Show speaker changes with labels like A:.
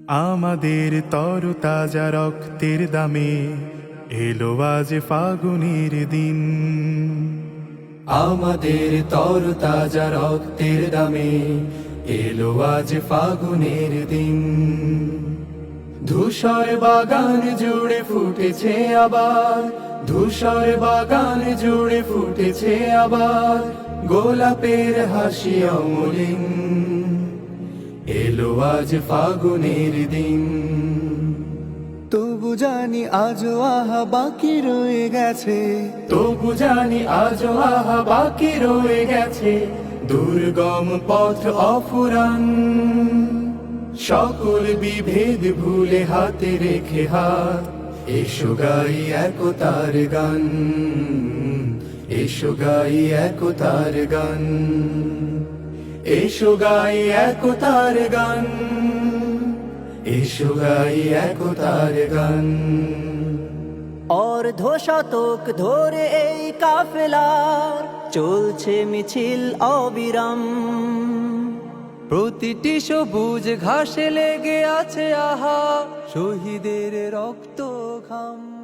A: আমাদের তরতাজা রক্তের দামে এলো আজ ফাগুনের দিন।
B: আমাদের তরতাজা রক্তের দামে এলো আজ ফাগুনের দিন। ধূসর বাগান জুড়ে ফুটেছে আবার, ধূসর বাগান জুড়ে ফুটেছে আবার গোলাপের হাসি অমলিন। এলো আজ ফাগুনের দিন।
C: তবু জানি আজও আহা বাকি রয়ে গেছে,
B: তবু জানি আজও আহা বাকি রয়ে গেছে দুর্গম পথ অফুরান। সকল বিভেদ ভুলে হাতে রেখে হাত, এসো গাই একতার গান, এসো গাই একতার গান, এসো গাই একতার গান, এসো গাই একতার গান।
C: অর্ধ শতক ধরে এই কাফেলার চলছে মিছিল অবিরাম। প্রতিটি সবুজ ঘাসে লেগে আছে আহা শহীদের রক্ত ঘাম।